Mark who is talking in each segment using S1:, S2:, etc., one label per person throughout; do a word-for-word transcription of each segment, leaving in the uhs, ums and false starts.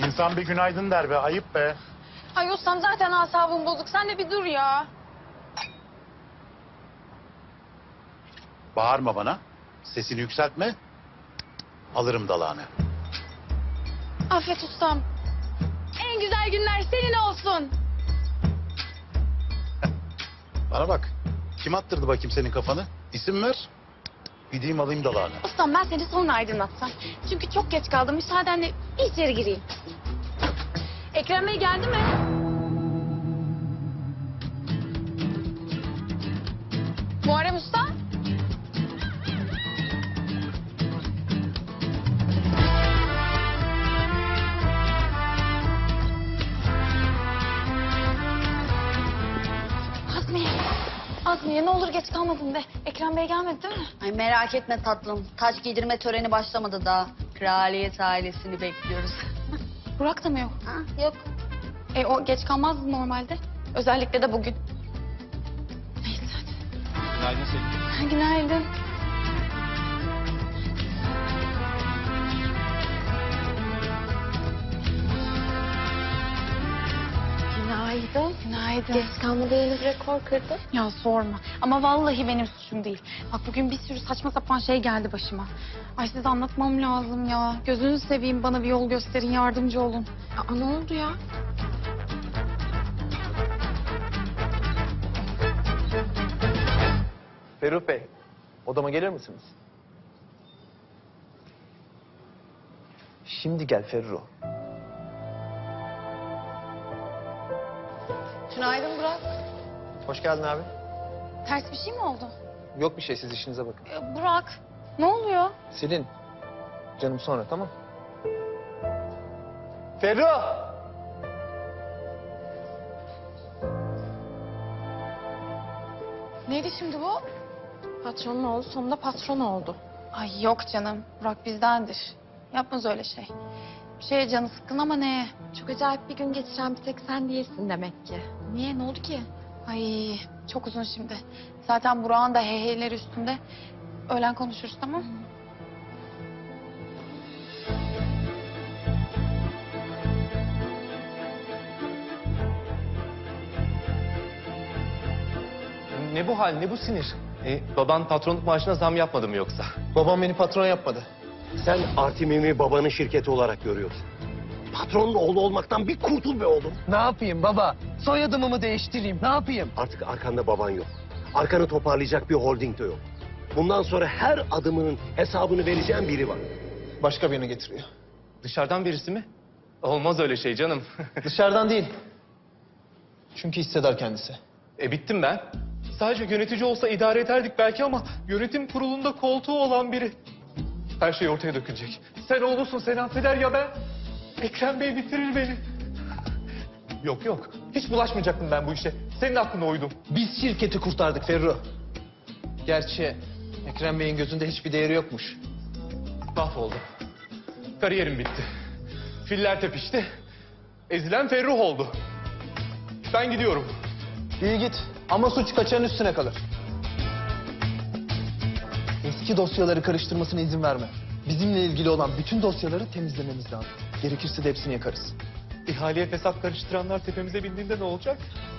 S1: İnsan bir günaydın der be, ayıp be.
S2: Ay ustam zaten asabım bozuk. Sen de bir dur ya.
S1: Bağırma bana, sesini yükseltme. Alırım dalağını.
S2: Affet ustam. En güzel günler senin olsun.
S1: Bana bak, kim attırdı bakayım senin kafanı? İsim ver, gideyim alayım dalağını.
S2: Ustam ben seni sonra aydınlatsam. Çünkü çok geç kaldım. Müsaadenle bir içeri gireyim. Ekrem Bey geldi mi? Muharrem Usta? Azmiye. Azmiye ne olur geç kalmadın de. Ekrem Bey gelmedi değil mi?
S3: Ay merak etme tatlım. Taç giydirme töreni başlamadı daha. Kraliyet ailesini bekliyoruz.
S2: Burak da mı yok?
S3: Ha, yok.
S2: E o geç kalmazdı normalde. Özellikle de bugün. Neyse hadi.
S4: Günaydın Selin.
S2: Günaydın.
S5: Günaydın.
S2: Günaydın.
S5: Geç kalmada yeni bir rekor kırdın.
S2: Ya sorma. Ama vallahi benim suçum değil. Bak bugün bir sürü saçma sapan şey geldi başıma. Ay size anlatmam lazım ya. Gözünüzü seveyim bana bir yol gösterin, yardımcı olun.
S5: Aa, ne oldu ya?
S4: Ferruh Bey, odama gelir misiniz? Şimdi gel Ferruh.
S5: Günaydın Burak.
S4: Hoş geldin abi.
S2: Ters bir şey mi oldu?
S4: Yok bir şey, siz işinize bakın.
S2: Ee, Burak, ne oluyor?
S4: Selin, canım sonra, tamam? Ferruh!
S2: Neydi şimdi bu?
S5: Patronun oğlu sonunda patron oldu.
S2: Ay yok canım. Burak bizdendir. Yapmaz öyle şey. Bir şeye canı sıkkın ama neye?
S5: Çok acayip bir gün geçiren bir tek sen değilsin demek ki.
S2: Niye? Ne oldu ki? Ay çok uzun şimdi. Zaten Burak'ın da heyheyleri üstünde. Öğlen konuşuruz tamam mı?
S6: Ne bu hal, ne bu sinir? E, baban patronluk maaşına zam yapmadı mı yoksa?
S4: Babam beni patron yapmadı.
S7: Sen Artimim'i babanın şirketi olarak görüyorsun. Patronun oğlu olmaktan bir kurtul be oğlum.
S4: Ne yapayım baba? Soyadımı mı değiştireyim, ne yapayım?
S7: Artık arkanda baban yok. Arkanı toparlayacak bir holding de yok. Bundan sonra her adımının hesabını vereceğin biri var.
S4: Başka birini getiriyor.
S6: Dışarıdan birisi mi? Olmaz öyle şey canım.
S4: Dışarıdan değil. Çünkü hisseder kendisi.
S6: E bittim ben. Sadece yönetici olsa idare ederdik belki ama yönetim kurulunda koltuğu olan biri. Her şey ortaya dökülecek. Sen oğlusun, sen affeder ya ben. Ekrem Bey bitirir beni. Yok yok, hiç bulaşmayacaktım ben bu işe. Senin aklına uydum.
S4: Biz şirketi kurtardık Ferruh. Gerçi Ekrem Bey'in gözünde hiçbir değeri yokmuş.
S6: Mahvoldum. Kariyerim bitti. Filler tepişti. Ezilen Ferruh oldu. Ben gidiyorum.
S4: İyi git ama suç kaçanın üstüne kalır. Eski dosyaları karıştırmasına izin verme. Bizimle ilgili olan bütün dosyaları temizlememiz lazım. Gerekirse de hepsini yakarız.
S6: İhaleye fesat karıştıranlar tepemize bindiğinde ne olacak?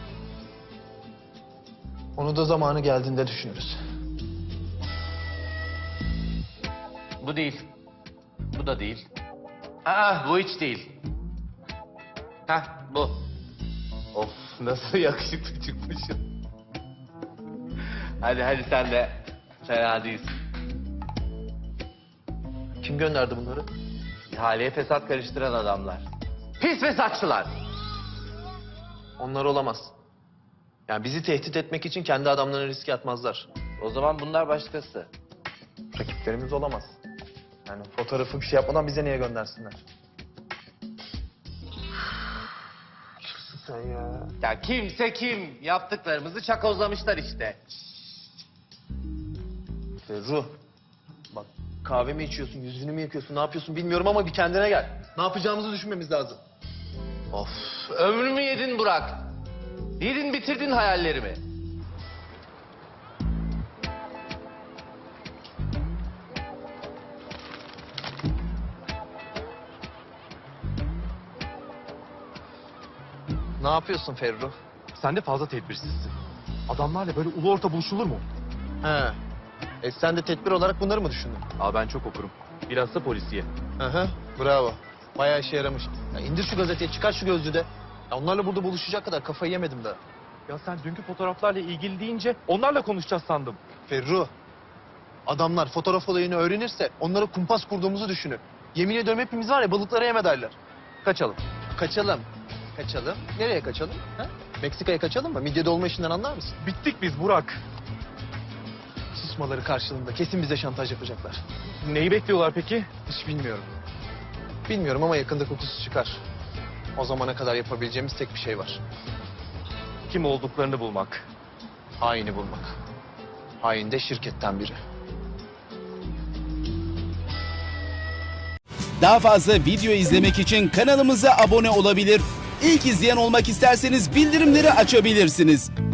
S4: Onu da zamanı geldiğinde düşünürüz.
S8: Bu değil. Bu da değil. Aa, bu hiç değil. Hah, bu. Of, nasıl yakışıklı çıkmışım. Hadi hadi sen de fena değilsin.
S4: Kim gönderdi bunları?
S8: İhaleye fesat karıştıran adamlar. Pis fesatçılar.
S4: Onlar olamaz. Yani bizi tehdit etmek için kendi adamlarını riske atmazlar.
S8: O zaman bunlar başkası.
S4: Rakiplerimiz olamaz. Yani fotoğrafı bir şey yapmadan bize niye göndersinler? Sen ya.
S8: Ya kimse kim? Yaptıklarımızı çakozlamışlar işte.
S4: Ferruh. Bak kahve mi içiyorsun, yüzünü mü yıkıyorsun, ne yapıyorsun bilmiyorum ama bir kendine gel. Ne yapacağımızı düşünmemiz lazım.
S8: Of, ömrümü yedin Burak. Yedin bitirdin hayallerimi.
S4: Ne yapıyorsun Ferru?
S6: Sen de fazla tedbirsizsin. Adamlarla böyle ulu orta buluşulur mu?
S4: He. E sen de tedbir olarak bunları mı düşündün?
S6: Aa ben çok okurum. Biraz da polisiye.
S4: Hı hı. Bravo. Bayağı işe yaramış. Ya indir şu gazeteyi, çıkar şu gözlüğü de. Ya onlarla burada buluşacak kadar kafayı yemedim daha.
S6: Ya sen dünkü fotoğraflarla ilgili deyince onlarla konuşacağız sandım.
S4: Ferru. Adamlar fotoğraf olayını öğrenirse onlara kumpas kurduğumuzu düşünür. Yemin ediyorum hepimiz var ya balıklara yem ederler.
S6: Kaçalım.
S4: Kaçalım. Kaçalım. Nereye kaçalım? Ha? Meksika'ya kaçalım mı? Midye dolma işinden anlar mısın?
S6: Bittik biz Burak.
S4: Susmaları karşılığında kesin bize şantaj yapacaklar.
S6: Neyi bekliyorlar peki?
S4: Hiç bilmiyorum. Bilmiyorum ama yakında kokusu çıkar. O zamana kadar yapabileceğimiz tek bir şey var.
S6: Kim olduklarını bulmak.
S4: Haini bulmak. Hain de şirketten biri.
S9: Daha fazla video izlemek için kanalımıza abone olabilir. İlk izleyen olmak isterseniz bildirimleri açabilirsiniz.